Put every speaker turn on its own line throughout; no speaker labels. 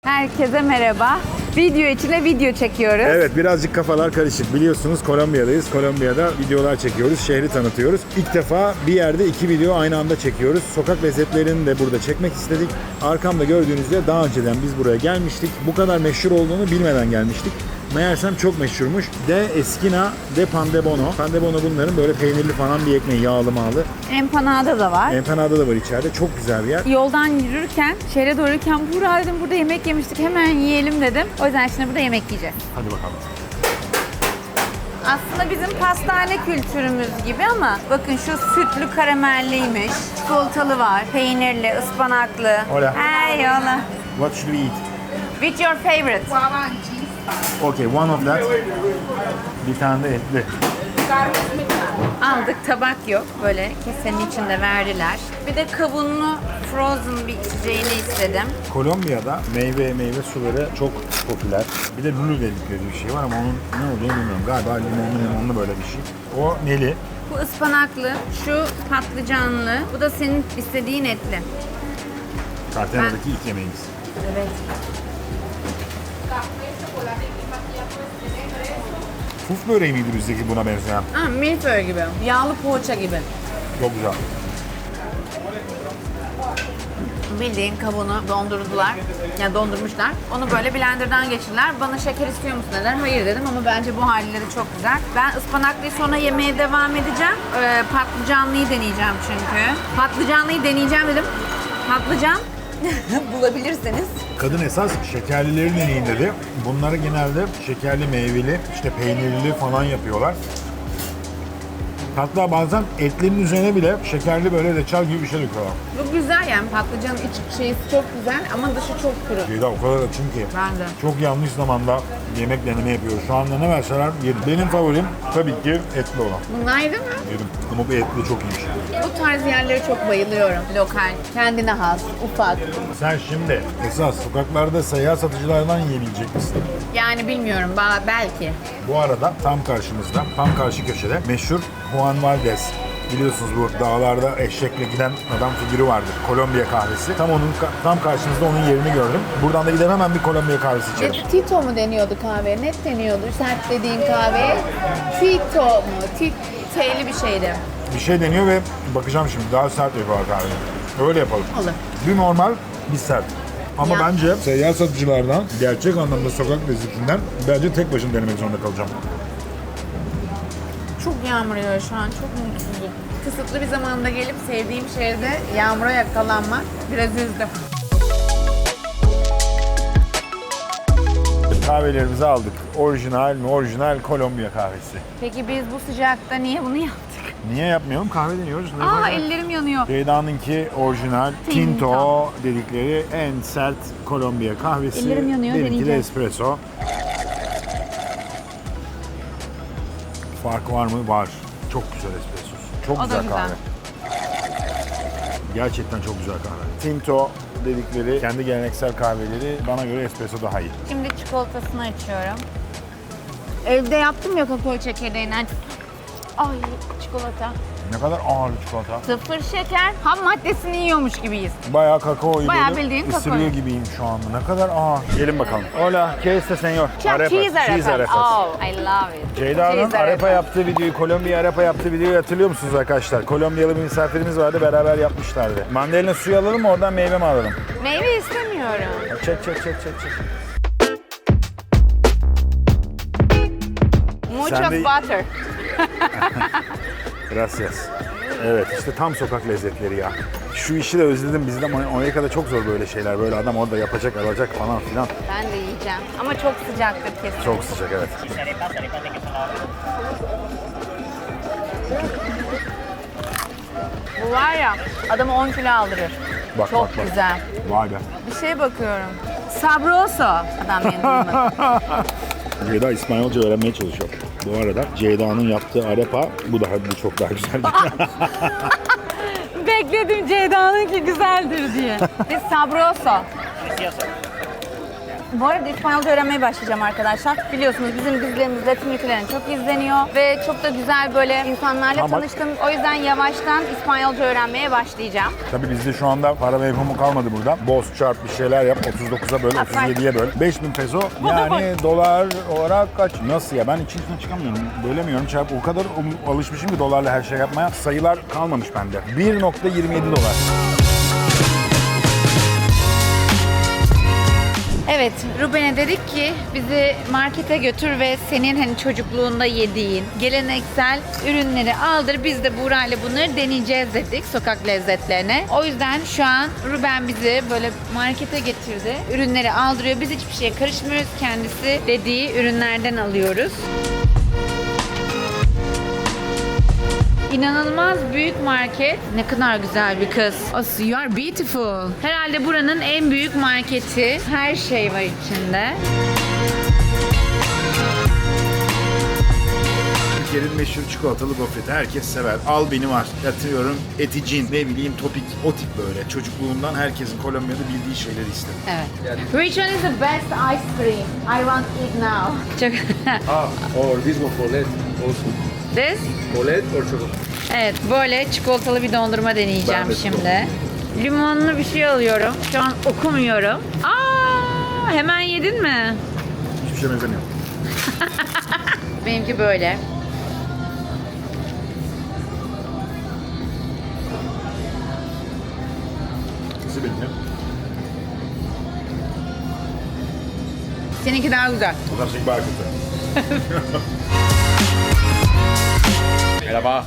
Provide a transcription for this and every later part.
Herkese merhaba. Video içine video çekiyoruz.
Evet, birazcık kafalar karışık. Biliyorsunuz Kolombiya'dayız. Kolombiya'da videolar çekiyoruz, şehri tanıtıyoruz. İlk defa bir yerde 2 video aynı anda çekiyoruz. Sokak lezzetlerini de burada çekmek istedik. Arkamda gördüğünüz üzere daha önceden biz buraya gelmiştik. Bu kadar meşhur olduğunu bilmeden gelmiştik. Meğersem çok meşhurmuş. De Esquina de Pan de Bono. Pan de Bono bunların böyle peynirli falan bir ekmeği, yağlı mağlı.
Empanada da var.
Empanada da var içeride. Çok güzel bir yer.
Yoldan yürürken, şehre doğru yürürken Buğra dedim burada yemek yemiştik, hemen yiyelim dedim. O yüzden şimdi burada yemek yiyeceğiz.
Hadi bakalım.
Aslında bizim pastane kültürümüz gibi ama bakın şu sütlü karamelliymiş, çikolatalı var, peynirli, ıspanaklı.
Hola.
Hey hola.
What should we eat?
Which your favorite?
Okay, one of that. Bir tane de etli.
Aldık, tabak yok. Böyle kesenin içinde verdiler. Bir de kavunlu frozen bir içeceğini istedim.
Kolombiya'da meyve suları çok popüler. Bir de lulu dedikleri bir şey var ama onun ne olduğunu bilmiyorum. Galiba limonlu böyle bir şey. O neli?
Bu ıspanaklı, şu patlıcanlı, bu da senin istediğin etli.
Cartagena'daki ilk yemeğimiz.
Evet.
Puf böreği miydi bizdeki buna benzeyen?
Ha, milföy gibi, yağlı poğaça gibi.
Çok güzel.
Bildiğin kabuğunu dondurdular, yani dondurmuşlar. Onu böyle blenderdan geçirdiler. Bana şeker istiyor musun dediler. Hayır dedim ama bence bu haliyle de çok güzel. Ben ıspanaklıyı sonra yemeye devam edeceğim. Patlıcanlıyı deneyeceğim çünkü. Patlıcanlıyı deneyeceğim dedim. Patlıcan bulabilirseniz.
Kadın esas şekerlileri deneyin dedi. Bunları genelde şekerli, meyveli, işte peynirli falan yapıyorlar. Hatta bazen etlerin üzerine bile şekerli böyle reçel gibi bir şey döküyorlar.
Bu güzel yani, patlıcanın iç şeysi çok güzel ama dışı çok kuru.
Ceyda o kadar açım ki.
Ben de.
Çok yanlış zamanda yemek deneme yapıyoruz. Şu anda ne verseler yerim. Benim favorim tabii ki etli olan.
Bunlar değil mi?
Yedim. Ama bu etli çok iyiymiş.
Bu tarz yerlere çok bayılıyorum. Lokal, kendine has, ufak.
Sen şimdi esas sokaklarda seyyar satıcılardan yiyebilecek misin?
Yani bilmiyorum, belki.
Bu arada tam karşımızda, tam karşı köşede meşhur Juan Valdez. Biliyorsunuz bu dağlarda eşekle giden adam figürü vardır. Kolombiya kahvesi. Tam karşımızda onun yerini gördüm. Buradan da gidemem, hemen bir Kolombiya kahvesi içerim.
Tito mu deniyordu kahve? Ne deniyordu sert dediğin kahve? Tito mu? T'li bir şeydi.
Bir şey deniyor ve bakacağım şimdi daha sert yapıyorlar kahveyi. Öyle yapalım.
Olur.
Bir normal, bir sert. Ama
Ya.
bence seyyar satıcılardan, gerçek anlamda sokak lezzetinden bence tek başına denemek zorunda kalacağım.
Çok yağmur yağıyor şu an, çok mutsuzum. Kısıtlı bir zamanda gelip sevdiğim şehirde yağmura yakalanmak biraz üzdü.
Kahvelerimizi aldık. Orijinal mi? Orijinal Kolombiya kahvesi.
Peki biz bu sıcakta niye bunu yaptık?
Niye yapmayalım? Kahve deniyoruz. Ne
Aa,
yapacağız?
ellerim yanıyor.
Ceyda'nınki orijinal Tinto dedikleri en sert Kolombiya kahvesi.
Ellerim yanıyor,
Benimki de
deneyeceğim.
espresso. Fark var mı? Var. Çok güzel espresso. Çok
O da
güzel
güzel.
kahve. Gerçekten çok güzel kahve. Tinto dedikleri kendi geleneksel kahveleri bana göre espresso daha iyi.
Şimdi çikolatasını açıyorum. Evde yaptım ya kakao çekirdeğinden. Ay, çikolata.
Ne kadar ağır bir çikolata.
Sıfır şeker, ham maddesini yiyormuş gibiyiz.
Bayağı kakaoyu
Bayağı
böyle
bildiğin
ısırıyor
kakao.
gibiyim şu anda. Ne kadar ağır. Gelin bakalım. Hola, ¿qué este señor?
Cheese arepas. Oh, I love it.
Ceyda'nın
Cheese
arepa yaptığı videoyu, Kolombiya arepa yaptığı videoyu hatırlıyor musunuz arkadaşlar? Kolombiyalı bir misafirimiz vardı, beraber yapmışlardı. Mandalina suyu alalım mı, oradan meyve mi alalım?
Meyve istemiyorum.
Çek.
Mucho
Sen de-
butter.
Gracias. Evet, işte tam sokak lezzetleri ya. Şu işi de özledim, bizde Amerika'da çok zor böyle şeyler. Böyle adam orada yapacak, alacak falan filan.
Ben de yiyeceğim. Ama çok sıcaktır kesin.
Çok sıcak, evet.
Bu var ya, adamı 10 kilo aldırır.
Bak,
Çok
bak.
güzel.
Vay be.
Bir şey bakıyorum. Sabroso. Adam beni duymadı.
Ceyda İspanyolca öğrenmeye çalışıyor. Bu arada Ceyda'nın yaptığı arepa, bu çok daha güzel.
Bekledim Ceyda'nınki güzeldir diye. Biz sabroso. Bu arada İspanyolca öğrenmeye başlayacağım arkadaşlar. Biliyorsunuz bizim dizilerimiz Latin ülkelerin çok izleniyor ve çok da güzel böyle insanlarla
Ama-
tanıştım. O yüzden yavaştan İspanyolca öğrenmeye başlayacağım.
Tabii bizde şu anda para mevhumu kalmadı burada. Boz çarp bir şeyler yap. 39'a böl, 37'ye böl. 5000 peso yani dolar olarak kaç? Nasıl ya? Ben içinden çıkamıyorum. Bölemiyorum. Çarp o kadar alışmışım ki dolarla her şey yapmaya. Sayılar kalmamış bende. 1.27 dolar.
Evet, Ruben'e dedik ki bizi markete götür ve senin hani çocukluğunda yediğin geleneksel ürünleri aldır. Biz de Buğra'yla bunları deneyeceğiz dedik sokak lezzetlerine. O yüzden şu an Ruben bizi böyle markete getirdi. Ürünleri aldırıyor. Biz hiçbir şeye karışmıyoruz. Kendisi dediği ürünlerden alıyoruz. İnanılmaz büyük market. Ne kadar güzel bir kız. Oh, you are beautiful. Herhalde buranın en büyük marketi. Her şey var içinde.
Türkiye'nin meşhur çikolatalı gofreti. Herkes sever. Al beni var. Yatıyorum. Eticin, ne bileyim topik. O tip böyle. Çocukluğundan herkesin Kolombiya'da bildiği şeyleri istedim.
Evet. Which one is the best ice cream? I want it now. Çok...
Or this one for LED also.
This?
For LED or chocolate?
Evet, böyle çikolatalı bir dondurma deneyeceğim
Ben de
şimdi. Limonlu bir şey alıyorum. Şu an okumuyorum. Aa, hemen yedin mi?
Hiçbir şey benzemiyor.
Benimki böyle.
Nasıl benim?
Seninki daha güzel.
O da şey barkıtı.
Merhaba.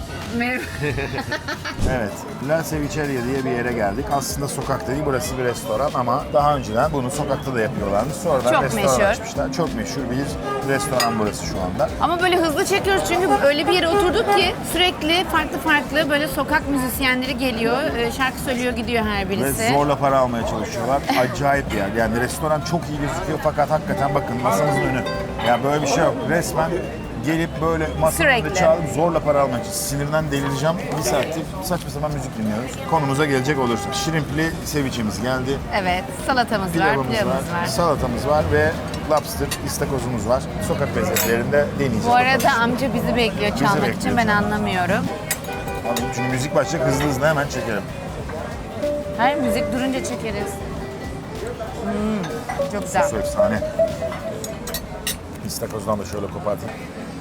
Evet, La Cevicheria diye bir yere geldik. Aslında sokak değil, burası bir restoran ama daha önceden bunu sokakta da yapıyorlardı. Sonradan
Çok
restoran
meşhur.
açmışlar. Çok meşhur bir restoran burası şu anda.
Ama böyle hızlı çekiyoruz çünkü öyle bir yere oturduk ki sürekli farklı böyle sokak müzisyenleri geliyor. Şarkı söylüyor gidiyor her
Ve
birisi.
zorla para almaya çalışıyorlar. Acayip bir yer. Yani restoran çok iyi gözüküyor fakat hakikaten bakın masanızın önü. Ya böyle bir şey yok. Resmen gelip böyle masanın önünde
Sürekli.
çağırıp zorla para almak için. Sinirden delireceğim. Bir saattir saçma sapan müzik dinliyoruz. Konumuza gelecek olursak. Şirimpli ceviche'miz geldi.
Evet, salatamız var,
Pilavımız var, salatamız var ve lobster, istakozumuz var. Sokak lezzetlerinde deneyeceğiz.
Bu arada
bakalım.
amca bizi bekliyor çalmak
bekliyor
için ben
çalmak.
anlamıyorum.
Çünkü müzik başlayacak hızlı hemen çekelim.
Her müzik durunca çekeriz. Çok güzel.
Sosu efsane. İstakozdan da şöyle kopartayım.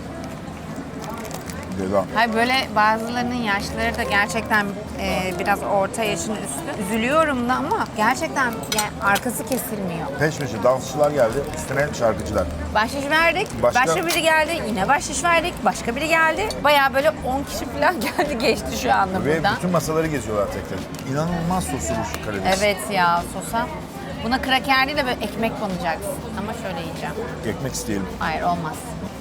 Devam.
Hayır böyle bazılarının yaşları da gerçekten biraz orta yaşın üstü. Üzülüyorum da ama gerçekten yani arkası kesilmiyor.
Peş peşe dansçılar geldi, üstüne şarkıcılar.
Bahşiş verdik, başka biri geldi, yine bahşiş verdik, başka biri geldi. Bayağı böyle 10 kişi falan geldi geçti şu anda
Ve
buradan.
bütün masaları geziyorlar tek tek. İnanılmaz soslu bu karides.
Evet ya sosa. Buna kraker değil de böyle ekmek banacaksın. Ama şöyle yiyeceğim.
Ekmek isteyelim.
Hayır olmaz.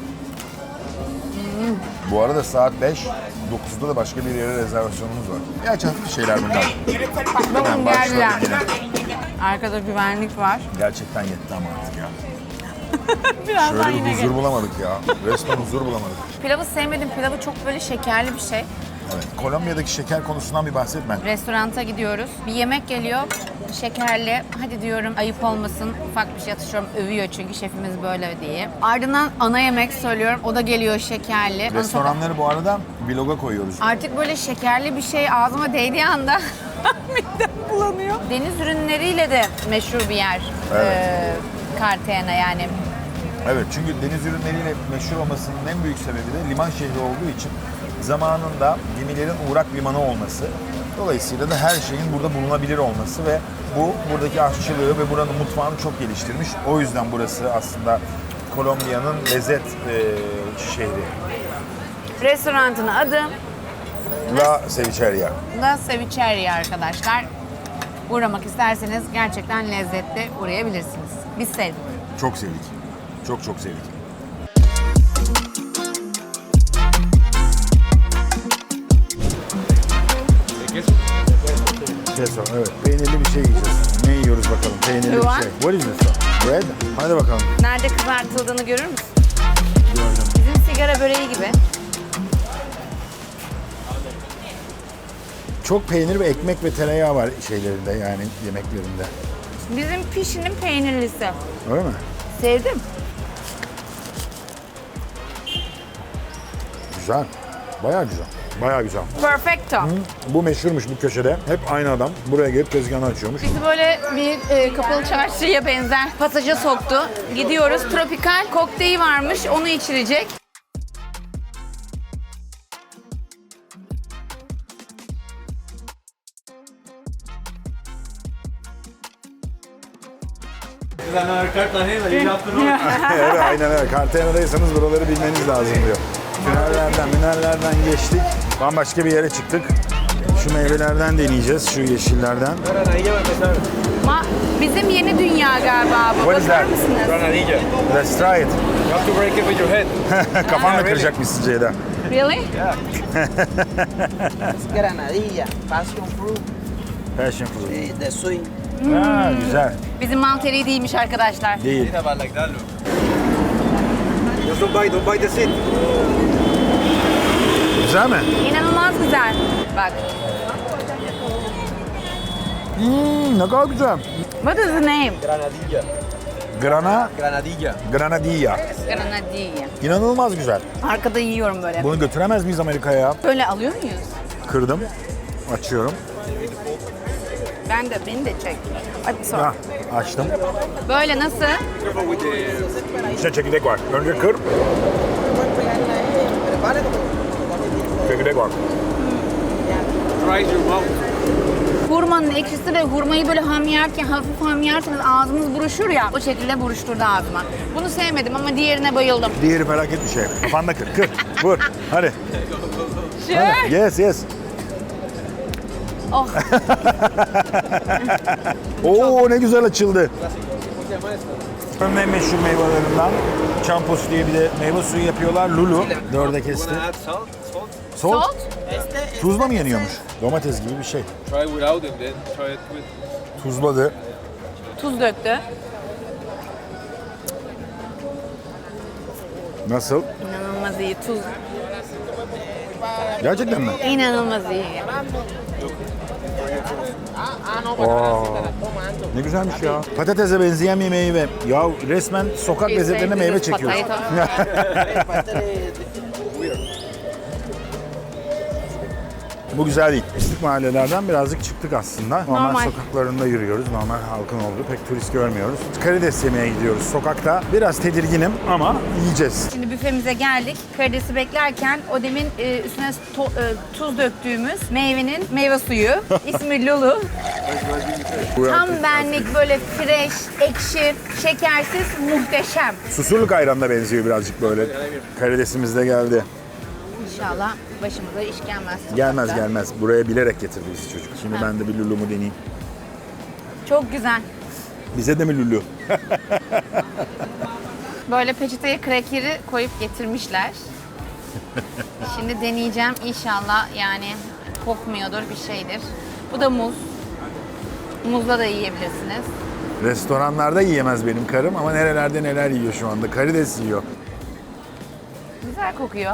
Bu arada saat 5, 9'da da başka bir yere rezervasyonumuz var. Gerçi hafif şeyler bunlar.
Bakın
Hemen başladık
geldiler.
yine.
Arkada güvenlik var.
Gerçekten yetti ama artık ya.
Birazdan
Şöyle
yine
bir huzur
gelir.
bulamadık ya. Resmen huzur bulamadık.
Pilavı sevmedim. Pilavı çok böyle şekerli bir şey.
Evet. Kolombiya'daki şeker konusundan bir bahsetme.
Restoranta gidiyoruz. Bir yemek geliyor. Şekerli. Hadi diyorum ayıp olmasın. Ufak bir şey atışıyorum. Övüyor çünkü şefimiz böyle diye. Ardından ana yemek söylüyorum. O da geliyor şekerli. Onu çok-
Restoranları bu arada vloga koyuyoruz.
Artık böyle şekerli bir şey ağzıma değdiği anda midem bulanıyor. Deniz ürünleriyle de meşhur bir yer.
Evet.
Cartagena yani.
Evet, çünkü deniz ürünleriyle meşhur olmasının en büyük sebebi de liman şehri olduğu için zamanında gemilerin uğrak limanı olması. Dolayısıyla da her şeyin burada bulunabilir olması ve bu buradaki aşçılığı ve buranın mutfağını çok geliştirmiş. O yüzden burası aslında Kolombiya'nın lezzet şehri.
Restoranın adı
La Cevicheria.
La Cevicheria arkadaşlar. Uğramak isterseniz gerçekten lezzetli uğrayabilirsiniz. Biz sevdik.
Çok sevdik. Çok çok sevdik. Queso, evet. Peynirli bir şey yiyeceğiz. Ne yiyoruz bakalım? Peynirli
You
bir
want?
şey. What is this? Bread? Hadi bakalım.
Nerede kızartıldığını görür müsün?
Gördüm.
Bizim sigara böreği gibi.
Çok peynir ve ekmek ve tereyağı var şeylerinde yani yemeklerinde.
Bizim pişinin peynirlisi.
Öyle mi?
Sevdim.
Güzel. Bayağı güzel. Bayağı güzel.
Perfecto.
Bu meşhurmuş bu köşede. Hep aynı adam buraya gelip tezgahını açıyormuş.
Bizi böyle bir kapalı çarşıya benzer pasaja soktu. Gidiyoruz. Tropikal kokteyli varmış. Onu içirecek.
Evet aynen öyle. Cartagena'daysanız buraları bilmeniz lazım diyor. Tünellerden geçtik. Bambaşka bir yere çıktık. Şu meyvelerden deneyeceğiz, şu yeşillerden.
Bizim yeni dünya galiba bu.
What is
Bakar
that?
mısınız?
Granadilla.
Let's try it.
You have to break it with your head.
Kafanla kıracakmışsın Ceyda.
Really?
Granadilla, passion fruit,
Passion fruit.
the sweet.
Ha, güzel.
Bizim malteri değilmiş arkadaşlar.
Değil.
Like that, look. Just don't bite the seed.
Güzel mi?
İnanılmaz güzel. Bak.
Ne kadar güzel.
What is the name?
Granadilla.
Granadilla.
Granadilla.
Granadilla.
İnanılmaz güzel.
Arkada yiyorum böyle.
Bunu götüremez miyiz Amerika'ya?
Böyle alıyor muyuz?
Kırdım. Açıyorum.
Beni de çek. Ay sorry.
Ha, açtım.
Böyle nasıl?
Careful with the...
İçine çekirdek var. Önce kır. Çekirdek var.
Dries your mouth.
Hurmanın ekşisi de hurmayı böyle ham yerken, hafif ham yerseniz ağzınız buruşur ya. O şekilde buruşturdu ağzıma. Bunu sevmedim ama diğerine bayıldım.
Diğeri felaket bir şey. Kafanda kır. Kır. Vur. Hadi.
Sure.
Hadi. Yes.
Oh.
Oo ne güzel açıldı. En meşhur meyvelerinden Champos diye bir de meyve suyu yapıyorlar. Lulu. Dörde kesti.
Wanna add salt?
Salt.
Salt?
Tuzla mı yeniyormuş? Domates gibi bir şey.
Try without it, then try it with...
Tuzladı.
Tuz döktü.
Nasıl?
İnanılmaz iyi. Tuz.
Gerçekten mi?
İnanılmaz iyi.
Ne güzelmiş ya. Patatese benzeyen bir meyve. Ya resmen sokak lezzetlerine meyve çekiyoruz. Bu güzel değil. Pislik mahallelerden birazcık çıktık aslında. Normal sokaklarında yürüyoruz. Normal halkın olduğu pek turist görmüyoruz. Karides yemeye gidiyoruz sokakta. Biraz tedirginim ama yiyeceğiz.
Şimdi büfemize geldik. Karidesi beklerken o demin üstüne tuz döktüğümüz meyvenin meyve suyu. İsmi Lulu. Tam benlik böyle fresh, ekşi, şekersiz, muhteşem.
Susurluk ayranına benziyor birazcık böyle. Karidesimiz de geldi.
İnşallah başımıza iş gelmez.
Gelmez. Buraya bilerek getirdi bizi çocuk. Şimdi ben de bir Lulu'mu deneyeyim.
Çok güzel.
Bize de mi Lulu?
Böyle peçeteye krekeri koyup getirmişler. Şimdi deneyeceğim inşallah, yani kokmuyordur, bir şeydir. Bu da muz. Muzla da yiyebilirsiniz.
Restoranlarda yiyemez benim karım ama nerelerde neler yiyor şu anda. Karides yiyor.
Güzel kokuyor.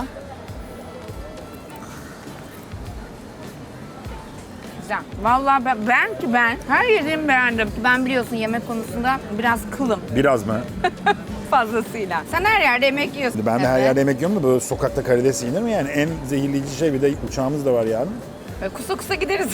Güzel. Vallahi ben her yediğimi beğendim. Ben biliyorsun yemek konusunda biraz kılım
Biraz mı?
fazlasıyla. Sen her yerde yemek yiyorsun.
Ben de her
Evet.
yerde yemek yiyorum da böyle sokakta karides yenir mi yani? En zehirleyici şey, bir de uçağımız da var yarın.
Böyle kusa kusa gideriz.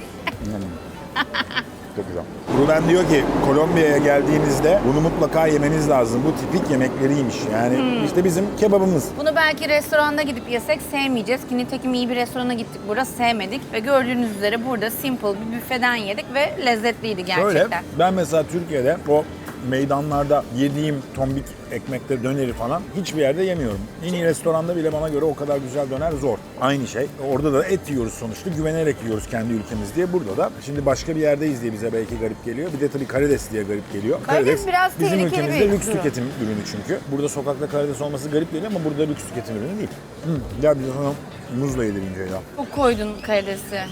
Çok güzel. Ruben diyor ki Kolombiya'ya geldiğinizde bunu mutlaka yemeniz lazım. Bu tipik yemekleriymiş. Yani işte bizim kebabımız.
Bunu belki restoranda gidip yesek sevmeyeceğiz ki nitekim iyi bir restorana gittik, burada sevmedik ve gördüğünüz üzere burada simple bir büfeden yedik ve lezzetliydi gerçekten.
Öyle. Ben mesela Türkiye'de o meydanlarda yediğim tombik ekmekleri, döneri falan hiçbir yerde yemiyorum. En iyi restoranda bile bana göre o kadar güzel döner zor. Aynı şey. Orada da et yiyoruz sonuçta. Güvenerek yiyoruz kendi ülkemiz diye. Burada da şimdi başka bir yerdeyiz diye bize belki garip geliyor. Bir de tabii karides diye garip geliyor.
Karides biraz
bizim
tehlikeli
ülkemizde
bir
lüks
ürün.
tüketim ürünü çünkü. Burada sokakta karides olması garip geliyor ama burada lüks tüketim ürünü değil. Gel bir de sana muzla yedireyim Ceyda.
Çok koydun karidesi.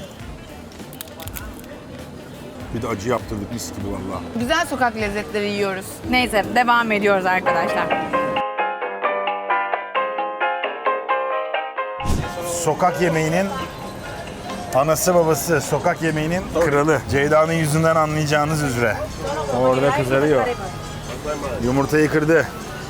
Bir de acı yaptırdık mis gibi vallahi.
Güzel sokak lezzetleri yiyoruz. Neyse devam ediyoruz arkadaşlar.
Sokak yemeğinin Anası babası sokak yemeğinin kralı. Ceyda'nın yüzünden anlayacağınız üzere. Orada kızarıyor. Yumurtayı kırdı.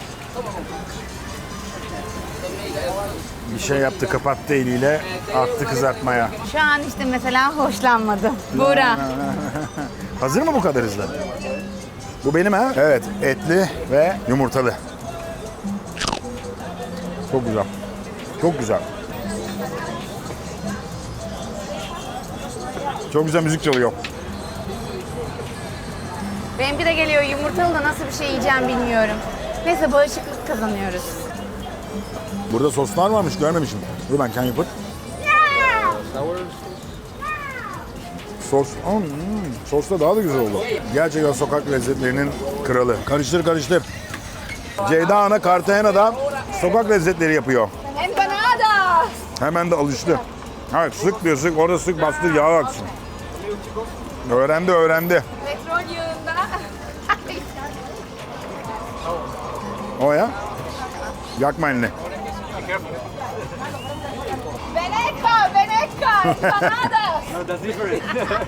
Bir şey yaptı, kapattı eliyle, attı kızartmaya.
Şu an işte mesela hoşlanmadım. Buğra.
Hazır mı bu kadar hızlı? Bu benim ha? Evet, etli ve yumurtalı. Çok güzel. Çok güzel. Çok güzel müzik çalıyor.
Benimki de geliyor. Yumurtalı da nasıl bir şey yiyeceğim bilmiyorum. Neyse bağışıklık kazanıyoruz.
Burada soslar varmış, görmemişim. Dur ben kendim yapayım. Sos, sos da daha da güzel oldu. Gerçekten sokak lezzetlerinin kralı. Karıştır karıştır. Ceyda Ana Cartagena'da sokak lezzetleri yapıyor.
Empanada.
Hemen de alıştı. Evet, sık diyor, sık. Orada sık, bastır, yağ aksın. Öğrendi, öğrendi.
Petrol yağında.
O ya. Yakma elini.
Veneca, Veneca, empanada.
No, that's different.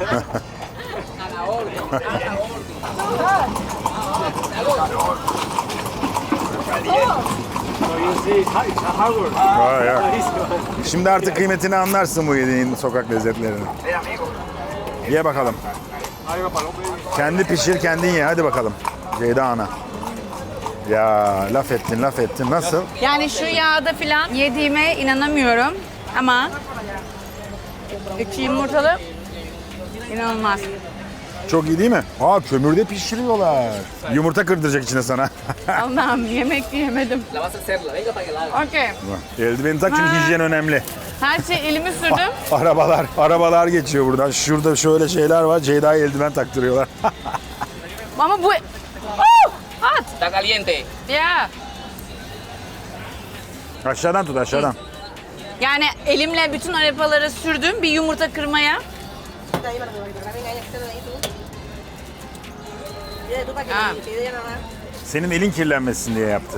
So you see, it's hard work.
Vay ya.
Easy one.
Şimdi artık kıymetini anlarsın bu yediğin sokak lezzetlerinin. Ye bakalım. Kendi pişir, kendin ye. Hadi bakalım. Ceyda Ana. Ya laf ettin, laf ettin. Nasıl?
Yani şu yağda filan yediğime inanamıyorum ama içi yumurtalı inanılmaz.
Çok iyi değil mi? Ha, kömürde pişiriyorlar. Yumurta kırdıracak içine sana.
Allah'ım yemek yemedim. Okey.
Eldiveni tak çünkü hijyen önemli.
Her şey elimi sürdüm.
Arabalar geçiyor buradan. Şurada şöyle şeyler var. Ceyda'ya eldiven taktırıyorlar.
Ama bu... Oh! At!
Está caliente.
Ya.
Aşağıdan tut, aşağıdan.
Yani elimle bütün arepaları sürdüm bir yumurta kırmaya. Ha.
Senin elin kirlenmesin diye yaptı.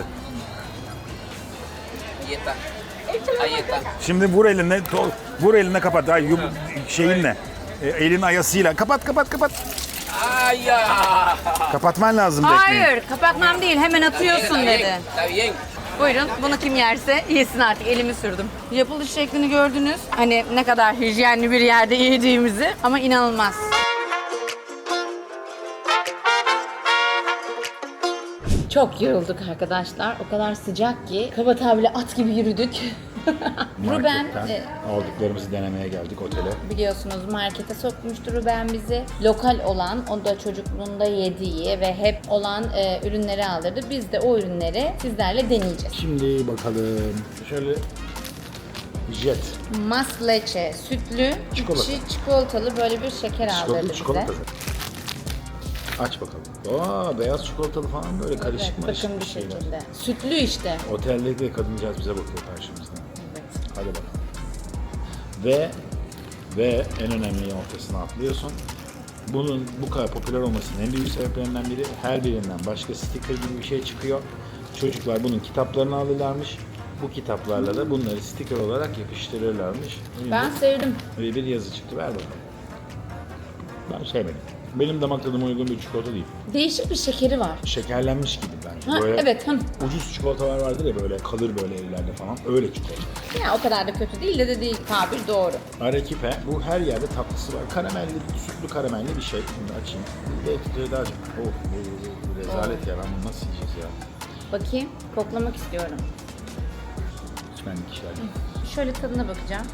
Ahí está. Ahí está.
Şimdi vur eline kapat. Ay, şeyinle. Elin ayasıyla. Kapat.
¡Ay, ya!
Kapatman lazım tekneyi.
Hayır, kapatmam değil. Hemen atıyorsun dedi.
Está bien.
Buyurun, bunu kim yerse yesin artık. Elimi sürdüm. Yapılış şeklini gördünüz. Hani ne kadar hijyenli bir yerde yediğimizi ama inanılmaz. Çok yorulduk arkadaşlar. O kadar sıcak ki kaba tabirle at gibi yürüdük. Ruben
aldıklarımızı denemeye geldik otele.
biliyorsunuz markete sokmuştu Ruben bizi. Lokal olan, o da çocukluğunda yediği ve hep olan ürünleri aldırdı. Biz de o ürünleri sizlerle deneyeceğiz.
Şimdi bakalım. Şöyle jet.
Mas leche, sütlü,
Çikolata.
içi çikolatalı böyle bir şeker aldırdı bize.
Çikolata. Aç bakalım. Aa, beyaz çikolatalı falan böyle karışık
Evet,
marışık
bakın bir
şeyler.
şekilde. Sütlü işte.
Oteldeki kadıncağız bize bakıyor karşımızda.
Evet.
Hadi bakalım. Ve en önemli ortasına atlıyorsun. Bunun bu kadar popüler olmasının en büyük sebeplerinden biri, her birinden başka sticker gibi bir şey çıkıyor. Çocuklar bunun kitaplarını alırlarmış. Bu kitaplarla da bunları sticker olarak yapıştırırlarmış.
Ben sevdim.
Böyle bir yazı çıktı. Ver bakalım. Ben sevmedim. Benim damak tadıma uygun bir çikolata değil.
Değişik bir şekeri var.
Şekerlenmiş gibi bence.
Ha,
Böyle
evet.
ucuz çikolatalar vardır ya, böyle kalır böyle ellerde falan. Öyle çikolata.
Ya o kadar da kötü değil de dediği tabir doğru.
Arequipe, bu her yerde tatlısı var. Karamelli, sütlü karamelli bir şey. Şimdi açayım. Belki daha çok. Oh, bu rezalet ya. Ben bunu nasıl yiyeceğiz ya?
Bakayım, koklamak istiyorum.
Çimenlik işler.
Şöyle tadına bakacağım.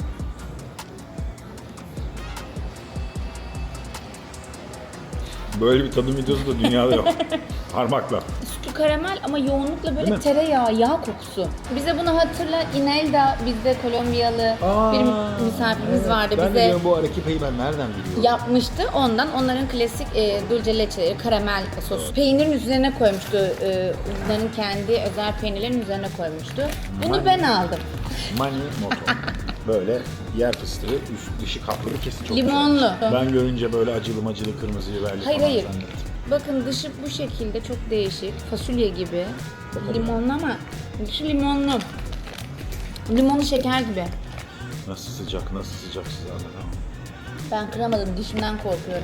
Böyle bir tadım videosu da dünyada yok. Parmakla.
Sütlü karamel ama yoğunlukla
Değil
böyle
mi?
tereyağı, yağ kokusu. Bize bunu hatırla, Inelda bizde Kolombiyalı bir misafirimiz vardı.
Ben de
Bize
diyorum bu Arequipe'yi ben nereden biliyorum?
yapmıştı. Ondan onların klasik dulce leche, karamel sosu. Peynirin üzerine koymuştu. Onların kendi özel peynirlerin üzerine koymuştu. Bunu ben aldım.
Mani moto. Böyle yer fıstığı, üst dışı kaplı bir kesin çok
Limonlu.
güzel. Ben görünce böyle acılı kırmızı biberli
Hayır,
falan
hayır.
zannettim.
Bakın dışı bu şekilde çok değişik. Fasulye gibi. Limonlu ama dışı limonlu. Limonlu şeker gibi.
Nasıl sıcak, nasıl sıcak size anlatamam.
Ben kıramadım, dişimden korkuyorum.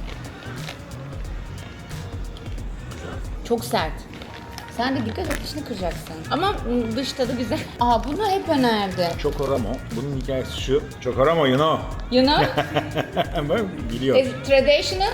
Çok sert. Sen de dikkat et, dişini kıracaksın. Ama dış tadı güzel. Aa, bunu hep önerdi.
Chocoramo. Bunun hikayesi şu. Chocoramo, you know.
You know?
Ben biliyorum.
Is it traditional?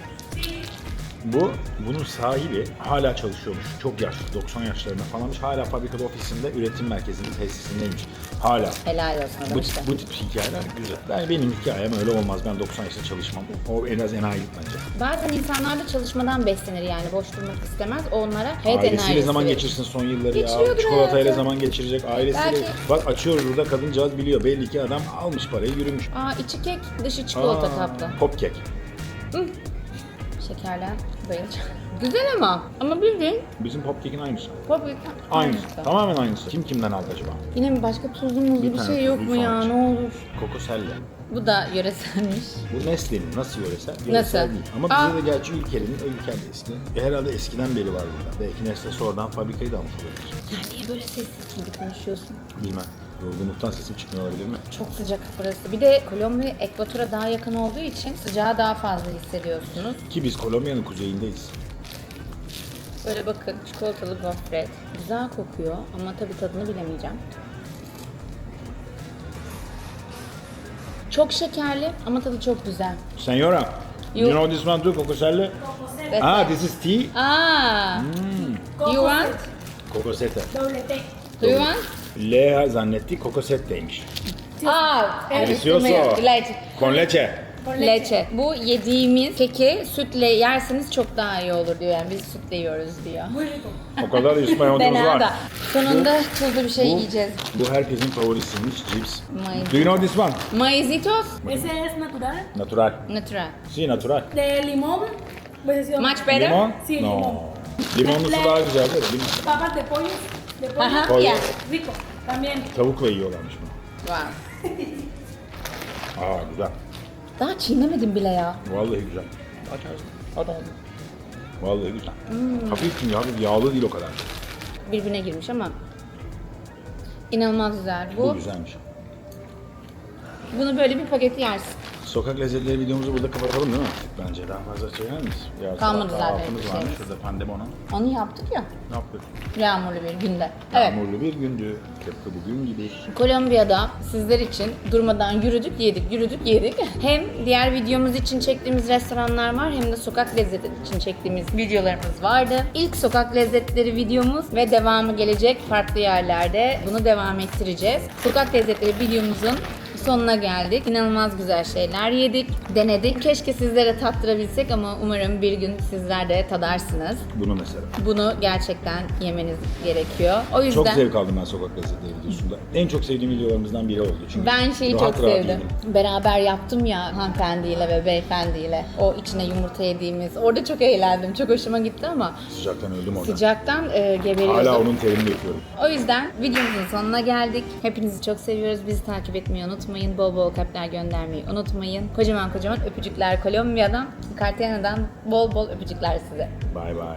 Bunun sahibi hala çalışıyormuş. Çok yaşlı, 90 yaşlarında falanmış. Hala fabrikada, ofisinde, üretim merkezinde, tesisindeymiş. Hala.
Helal olsun
Bu,
adam işte.
bu tip hikayeler güzel. Benim hikayem öyle olmaz. Ben 90 yaşında çalışmam. O en az enayi bence.
Bazen insanlar da çalışmadan beslenir yani. Boş durmak istemez. Onlara hayat
Ailesiyle
enerjisi
zaman
verir.
geçirsin son yılları ya.
Geçiriyordur
Çikolatayla
hayatı.
zaman geçirecek. Ailesiyle.
Belki.
Bak açıyoruz burada, kadıncağız biliyor. Belli ki adam almış parayı, yürümüş.
Aa, içi kek, dışı çikolata kaplı.
Pop kek.
Şekerler bayılacağım. Güzel ama bildiğin
Bizim pop kekin aynısı.
pop
Aynısı. Tamamen aynısı. Kim kimden aldı acaba?
Yine mi başka tuzlu muzlu bir
tane
şey yok
tuzlu
mu ya,
sadece.
ne olur.
Kokoselle.
Bu da yöreselmiş.
Bu Nestle'nin nasıl yöresel?
Nasıl?
Yöresel değil. Ama
Aa.
bize de gerçi Ülker'in, Ülker de eski. Herhalde eskiden beri var burada. Belki Nestle sonradan fabrikayı da almış olabilir.
Sen niye böyle sessiz gibi konuşuyorsun?
Bilmem. Yorgunluktan sesim çıkmıyor olabilir mi?
Çok sıcak burası. Bir de Kolombiya ekvatora daha yakın olduğu için sıcağı daha fazla hissediyorsunuz.
Ki biz Kolombiya'nın kuzeyindeyiz.
Böyle bakın, çikolatalı gofret. Güzel kokuyor ama tabii tadını bilemeyeceğim. Çok şekerli ama tadı çok güzel.
Senora, you know this one too, Kokoselle? Ah, this is tea.
Aa. You want?
Kokosete.
Do you want?
L zannettik, kokosetteymiş.
Aa,
Delicioso.
Leche.
Con leche.
Leche. Bu yediğimiz keki sütle yerseniz çok daha iyi olur diyor. Yani biz sütle yiyoruz diyor.
O kadar İspanyolcumuz
Fena da.
var.
Sonunda tuzlu bir şey
Bu,
yiyeceğiz.
bu herkesin favorisiymiş, cips.
Maíz.
Do you know this one?
Maizitos
Ese es natural.
Natural.
natural.
Si, natural.
De limón, versión.
Much better.
Limon?
Sí,
No.
limon.
Limonlusu daha güzel değil mi? Limon.
Papas de pollo. De pollo.
Ajá,
Pollo.
yeah.
Rico. También.
Tavukla yiyorlarmış bunu.
Wow.
Aa güzel.
Daha çiğnemedim bile ya.
Vallahi güzel. Açarsın. Hadi hadi. Vallahi güzel. Hafif yağlı değil o kadar.
Birbirine girmiş ama inanılmaz güzel.
Bu güzelmiş.
Bunu böyle bir paketi yersin.
Sokak lezzetleri videomuzu burada kapatalım değil mi? Bence daha fazla çeker miyiz? Yarın
Kalmadı
sabah
zaten
kahvaltımız
bir
varmış
şeyimiz.
şurada Pandemona.
Onu yaptık ya.
Ne yaptık?
Yağmurlu bir günde. Evet.
Yağmurlu bir gündü. Tıpkı bugün gibi.
Kolombiya'da sizler için durmadan yürüdük, yedik. Hem diğer videomuz için çektiğimiz restoranlar var hem de sokak lezzeti için çektiğimiz videolarımız vardı. İlk sokak lezzetleri videomuz ve devamı gelecek farklı yerlerde. Bunu devam ettireceğiz. Sokak lezzetleri videomuzun sonuna geldik. İnanılmaz güzel şeyler yedik, denedik. Keşke sizlere tattırabilsek ama umarım bir gün sizler de tadarsınız.
Bunu mesela.
Bunu gerçekten yemeniz gerekiyor. O yüzden
Çok zevk aldım ben sokak lezzetleri videosunda. En çok sevdiğim videolarımızdan biri oldu. Çünkü
ben şeyi
rahat
çok
rahat
sevdim.
yedim.
Beraber yaptım ya hanımefendiyle ve beyefendiyle. O içine yumurta yediğimiz. Orada çok eğlendim. Çok hoşuma gitti ama
Sıcaktan öldüm orada.
sıcaktan geberiyordum.
Hala onun terini yapıyorum.
O yüzden videomuzun sonuna geldik. Hepinizi çok seviyoruz. Bizi takip etmeyi unutmayın. Bol bol kalpler göndermeyi unutmayın. Kocaman öpücükler Kolombiya'dan, Cartagena'dan bol bol öpücükler size.
Bye bye.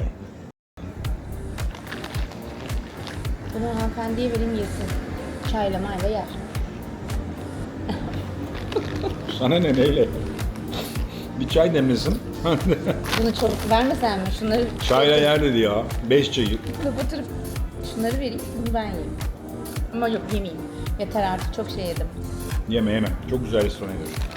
Bunu hanımefendiye vereyim yesin. Çayla mayla yer.
Sana ne neyle? Bir çay demlesin.
Bunu çabuk vermesen mi? Şunları
Çayla yer dedi ya. 5 çayı.
kapatırıp şunları vereyim. Bunu ben yiyeyim. Ama yok yemeyeyim. Yeter artık çok şey yedim.
Yeme. Çok güzel restoran ediyorsun.